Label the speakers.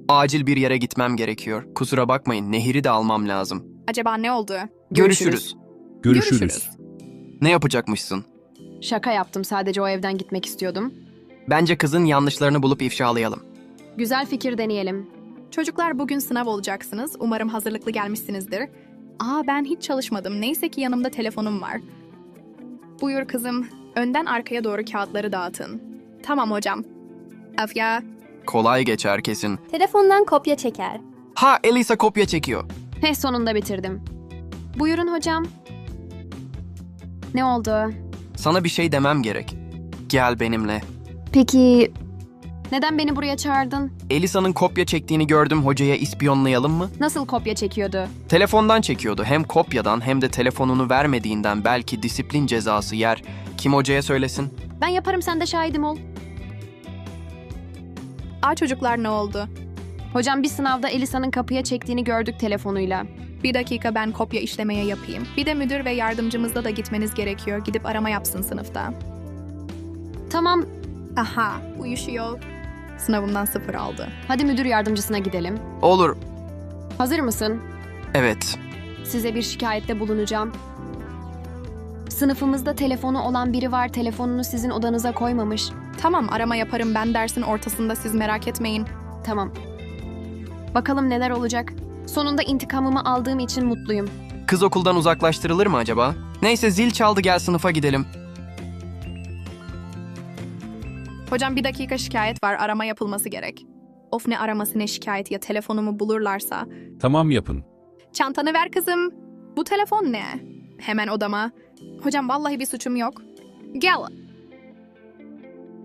Speaker 1: Acil bir yere gitmem gerekiyor. Kusura bakmayın, Nehir'i de almam lazım.
Speaker 2: Acaba ne oldu?
Speaker 1: Görüşürüz.
Speaker 3: Görüşürüz.
Speaker 1: Ne yapacakmışsın?
Speaker 4: Şaka yaptım, sadece o evden gitmek istiyordum.
Speaker 1: Bence kızın yanlışlarını bulup ifşalayalım.
Speaker 4: Güzel fikir, deneyelim.
Speaker 2: Çocuklar bugün sınav olacaksınız. Umarım hazırlıklı gelmişsinizdir. Ben hiç çalışmadım. Neyse ki yanımda telefonum var. Buyur kızım. Önden arkaya doğru kağıtları dağıtın. Tamam hocam. Afya.
Speaker 1: Kolay geçer kesin.
Speaker 5: Telefondan kopya çeker.
Speaker 1: Ha, Elisa kopya çekiyor.
Speaker 4: Sonunda bitirdim. Buyurun hocam. Ne oldu?
Speaker 1: Sana bir şey demem gerek. Gel benimle.
Speaker 4: Peki neden beni buraya çağırdın?
Speaker 1: Elisa'nın kopya çektiğini gördüm, hocaya ispiyonlayalım mı?
Speaker 4: Nasıl kopya çekiyordu?
Speaker 1: Telefondan çekiyordu. Hem kopyadan hem de telefonunu vermediğinden belki disiplin cezası yer. Kim hocaya söylesin?
Speaker 4: Ben yaparım, sen de şahidim ol.
Speaker 2: Çocuklar ne oldu?
Speaker 4: Hocam, bir sınavda Elisa'nın kapıya çektiğini gördük telefonuyla.
Speaker 2: Bir dakika, ben kopya işlemeye yapayım. Bir de müdür ve yardımcımızla da gitmeniz gerekiyor. Gidip arama yapsın sınıfta.
Speaker 4: Tamam,
Speaker 2: Aha, uyuşuyor. Sınavımdan 0 aldı.
Speaker 4: hadi müdür yardımcısına gidelim.
Speaker 1: Olur.
Speaker 4: Hazır mısın?
Speaker 1: Evet.
Speaker 4: Size bir şikayette bulunacağım. Sınıfımızda telefonu olan biri var, telefonunu sizin odanıza koymamış.
Speaker 2: Tamam, arama yaparım ben dersin ortasında, siz merak etmeyin.
Speaker 4: Tamam. Bakalım neler olacak. Sonunda intikamımı aldığım için mutluyum.
Speaker 1: Kız okuldan uzaklaştırılır mı acaba? Neyse, zil çaldı, gel sınıfa gidelim.
Speaker 2: Hocam bir dakika, şikayet var, arama yapılması gerek. Of, ne araması ne şikayet, ya telefonumu bulurlarsa.
Speaker 3: Tamam, yapın.
Speaker 2: Çantanı ver kızım. Bu telefon ne? Hemen odama. Hocam vallahi bir suçum yok. Gel.